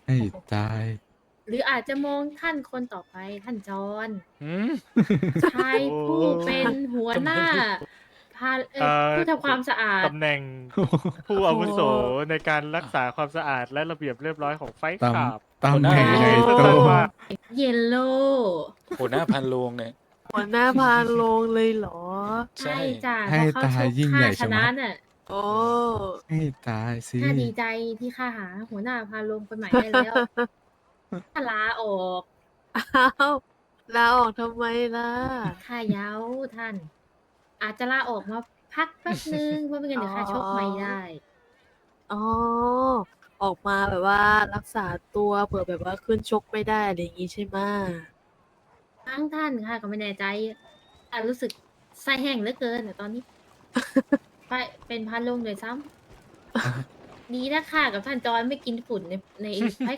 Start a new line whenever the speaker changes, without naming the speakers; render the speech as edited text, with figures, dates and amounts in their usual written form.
ให้ตาย
หรืออาจจะมองท่านคนต่อไปท่านจอน
หืม
ชาย
โอ้
ผู้เป็นหัว
ทำไม
หน้าพาผู้ทำความสะอาด
ตำแหน่งผู้อาวุโสในการรักษาความสะอาดและระเบียบเรียบร้อยของไฟท์
ต
คลับ
ตำแหน่งใหญ่โต
สั้นๆว่า
เยลโล่
หัวหน้าพันโรงเนี่ย
หัวหน้าพาโลงเลยเหรอ
ใช่
ใช่จ้ะ
ให้
เพราะเขา
ตาย
ชก
ยิ่ง
ข้า
ใหญ่
ช
ชะ
นะ
มัด
น่ะ
โอ้
ให้ตายสิ
ข้าดีใจที่ข้าหาหัวหน้าพาลงคนใหม่ได้แล้วข้าลาออก
อ้าวลาออกทำไมล่ะ
ข้าเย้าท่าน อาจจะลาออกมาพักแป๊บนึงเพราะไม่งั้นเดี๋ยวข้าชกไม่ได้
อ๋อ ออกมาแบบว่ารักษาตัวเผื่อแบบว่าขึ้นชกไม่ได้อะไรอย่างงี้ใช่ไหม
ทั้งท่านค่ะก็ไม่แน่ใจรู้สึกไส้แห้งเหลือเกินแต่ตอนนี้ ไปเป็นพันลงเลยซ้ำดีนะค่ะกับท่านจอยไม่กินฝุ่นในไฟ